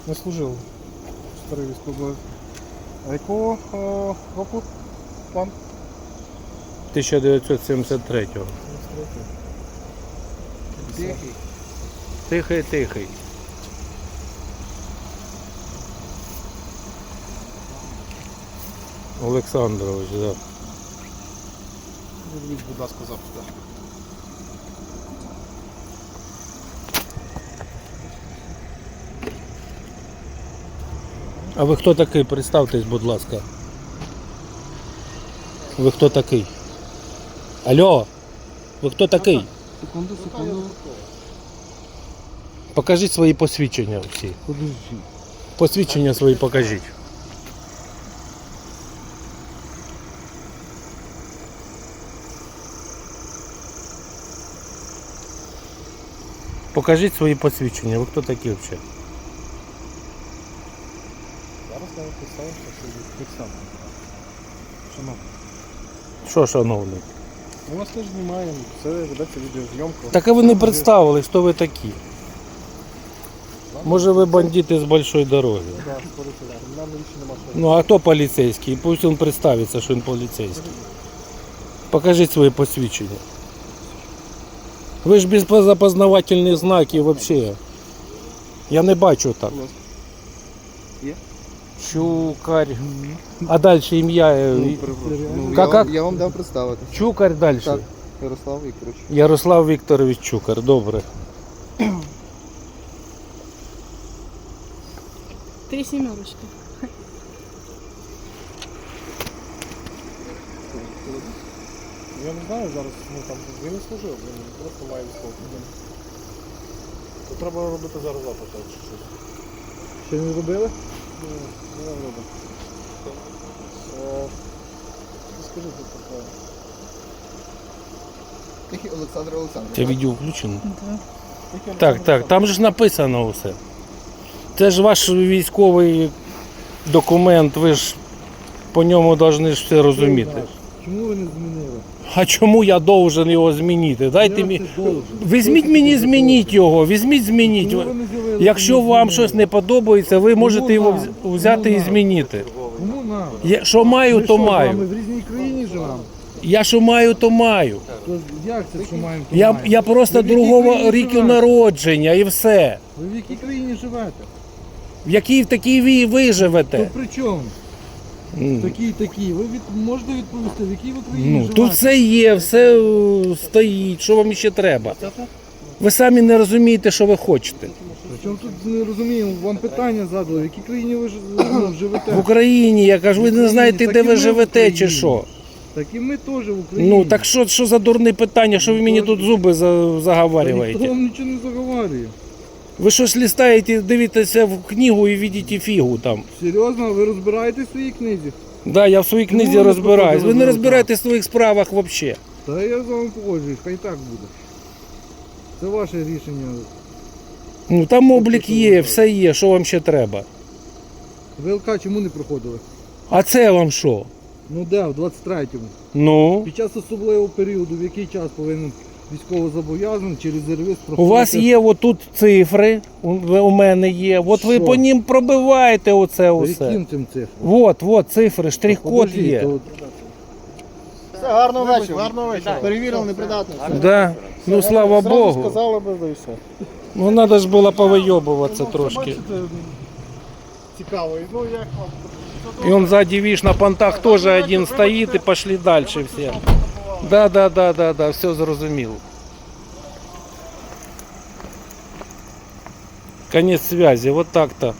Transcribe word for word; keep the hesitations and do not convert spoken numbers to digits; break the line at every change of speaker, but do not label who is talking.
Не служив. Старий військовий. А якого о, року пан?
тисяча дев'ятсот сімдесят третього.
Тихий.
Тихий, тихий. Олександрович, так. Да.
Відвідь, будь ласка, запит.
А ви хто такий? Представтесь, будь ласка. Ви хто такий? Алло! Ви хто такий?
Секунду, секунду.
Покажіть свої посвідчення всі.
Подожди.
Посвідчення свої покажіть. Покажіть свої посвідчення. Ви хто такі взагалі?
Зараз я представився, що фіксатор. Шановні.
Що, шановний?
Ми вас теж знімаємо, все ведеться відеозйомка.
Так а ви не представили, хто ви такі. Може ви бандити з большої дороги.
Так, поліцейський. Нам більше нема що.
Ну а хто поліцейський? Пусть він представиться, що він поліцейський. Покажіть свої посвідчення. Ви ж без запознавательних знаків взагалі. Я не бачу так.
Є?
Чукар. А далі ім'я. е,
Ну,
Как-
я,
как?
вам, я вам дав представити.
Чукар далі.
Так, Ярослав Вікторович.
Ярослав Вікторович Чукар. Добре.
Три семерочки.
Я не знаю зараз, ну там він не служив, він просто має військову квиток. То треба робити зараз запит, чи щось.
Ще не робили?
Ну, не робимо. Е, Скажи, будь ласка.
Тихий Олександр Олександрович.
Це відео включено.
Да.
Так, так, там же ж написано все. Це ж ваш військовий документ, ви ж по ньому повинні ж все розуміти.
Чому ви не змінили?
А чому я должен його змінити? Дайте мені. Візьміть мені, змініть його, візьміть, змініть. Якщо вам щось не подобається, ви можете його вз- взяти і змінити.
Кому нам?
Я що маю, то
Ми
маю.
в різній країні живемо.
Я що маю, то маю.
То як це, що маємо? то
Я,
маємо?
я просто
Ви в якій
другого
країні
ріку
живете?
народження і все.
Ви в якій країні живете?
В якій в такій ви, ви
То
живете?
при чому?
М.
Такі, такі. Ви від... можете відповісти, в якій ви країні
Ну,
живете?
тут все є, все е, стоїть, що вам ще треба. Ви самі не розумієте, що ви хочете.
Причому тут не розуміємо, вам питання задали, в якій країні ви ж- ну, живете?
В Україні, я кажу, ви не знаєте,
Так
де
і
ви
ми в
живете чи
Україні.
що.
Так і ми теж в Україні.
Ну, так що, що за дурне питання, що ви мені тут зуби за-
Та ніхто
заговарюєте?
вам нічого не заговорює.
Ви щось листаєте, дивитеся в книгу і бачите фігу там.
Серйозно, ви розбираєтесь в своїй книзі?
Да, я в своїй
Чому
книзі
ви не
розбираюсь. Ви
проходили
не
на
розбираєтесь в своїх справах взагалі.
Та я з вами погоджуюсь, хай так буде. Це ваше рішення.
Ну там облік є, все є, що вам ще треба.
ВЛК чому не проходили?
А це вам що?
Ну де, в двадцять третьому.
Ну,
Під час особливого періоду, в який час повинен військовозобов'язаний чи резервіст
у
проходити?
вас є отут цифри, у, у мене є. От ви
Що?
по ним пробиваєте оце
Та
усе.
яким цим цифрам?
Вот, вот цифри, штрих-код
Подождіть,
є.
то-
Все, гарного вечора, гарного вечора.
Перевірили непридатність.
Да. Ну слава
Зразу
Богу.
сказали би, да і все.
Ну треба ж було повийобуватися
Ну,
трошки.
бачите, цікаво. Ну, як вам?
И он сзади, видишь, на понтах тоже один стоит, и пошли дальше все. Да, да, да, да, да, все зрозумів. Конец связи, вот так-то.